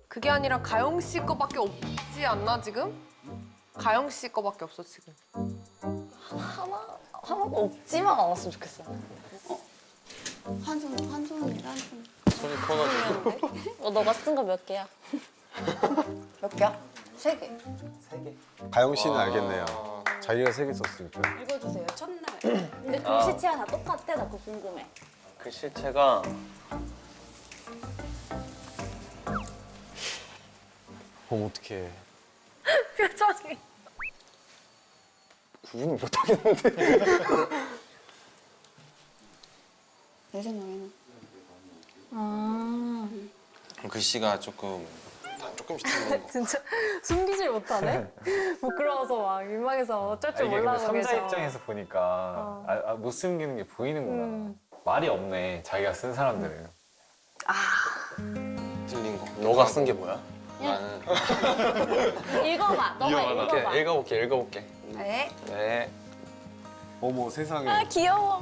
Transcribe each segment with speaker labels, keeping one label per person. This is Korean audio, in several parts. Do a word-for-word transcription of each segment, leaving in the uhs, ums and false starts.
Speaker 1: 그게 아니라 가영 씨 거밖에 없지 않나 지금? 가영 씨 거밖에 없어 지금.
Speaker 2: 하나 하나가 없지만 않았으면 좋겠어.
Speaker 3: 한 손, 한 손이랑 한 손.
Speaker 4: 손이 커가지고.
Speaker 2: 어, 너가 쓴 거 몇 개야? 몇 개야? 세 개.
Speaker 4: 세 개.
Speaker 5: 가영 씨는 알겠네요. 자기가 세 개 썼으니까.
Speaker 3: 읽어주세요. 첫날.
Speaker 2: 근데 글씨체가 다 똑같아? 나 그거 궁금해.
Speaker 4: 글씨체가
Speaker 5: 그럼 어떡해.
Speaker 1: 표정이.
Speaker 4: 구분을 못 하겠는데.
Speaker 3: 내 생각에는.
Speaker 2: 아.
Speaker 6: 글씨가 조금 다 조금씩 틀린 거.
Speaker 1: 진짜 숨기질 못하네. 부끄러워서 막 민망해서 어쩔 줄
Speaker 7: 이게 근데
Speaker 1: 몰라서
Speaker 7: 삼자
Speaker 1: 계셔.
Speaker 7: 입장에서 보니까
Speaker 1: 어.
Speaker 7: 아, 아, 못 숨기는 게 보이는구나.
Speaker 1: 음.
Speaker 7: 말이 없네, 자기가 쓴 사람들은.
Speaker 6: 틀린 거.
Speaker 4: 너가 쓴 게 뭐야?
Speaker 6: 나는
Speaker 2: 읽어봐. 너가 읽어봐.
Speaker 4: 이렇게 읽어볼게, 읽어볼게.
Speaker 3: 네.
Speaker 4: 네.
Speaker 5: 어머 세상에.
Speaker 2: 아, 귀여워.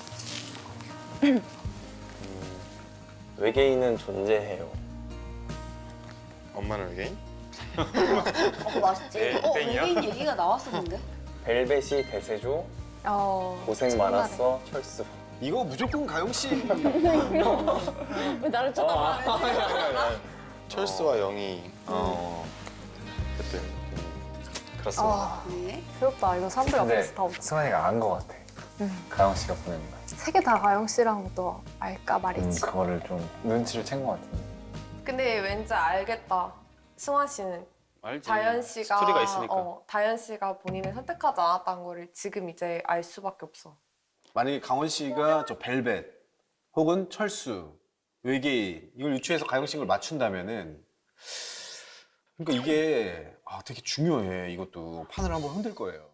Speaker 4: 외계인은 존재해요.
Speaker 6: 엄마는 외계인?
Speaker 3: 어, 맛있지?
Speaker 4: 네,
Speaker 3: 어,
Speaker 4: 땡이야?
Speaker 3: 외계인 얘기가 나왔었는데?
Speaker 4: 벨벳이 대세조,
Speaker 1: 어.
Speaker 4: 고생 많았어, 철수.
Speaker 5: 이거 무조건 가영 씨.
Speaker 2: 왜 나를 쳐다봐?
Speaker 6: 철수와 영희. 어. 그때. 음,
Speaker 4: 그렇습니다.
Speaker 1: 아,
Speaker 3: 네.
Speaker 1: 귀엽다. 이거 사람들
Speaker 7: 근데
Speaker 1: 앞에서 다 없.
Speaker 7: 승환이가 안 거 같아. 가영 씨가 보낸 거.
Speaker 1: 세 개 다 가영 씨랑 또 알까
Speaker 7: 음,
Speaker 1: 말이지.
Speaker 7: 그거를 좀 눈치를 챈 거 같은데.
Speaker 1: 근데 왠지 알겠다. 승환 씨는
Speaker 6: 알지.
Speaker 1: 다현 씨가
Speaker 6: 스토리가 있으니까.
Speaker 1: 어, 다현 씨가 본인을 선택하지 않았다는 거를 지금 이제 알 수밖에 없어.
Speaker 5: 만약에 강원 씨가 저 벨벳 혹은 철수, 외계인 이걸 유추해서 가영 씨를 맞춘다면은 그러니까 이게 아, 되게 중요해. 이것도 판을 한번 흔들 거예요.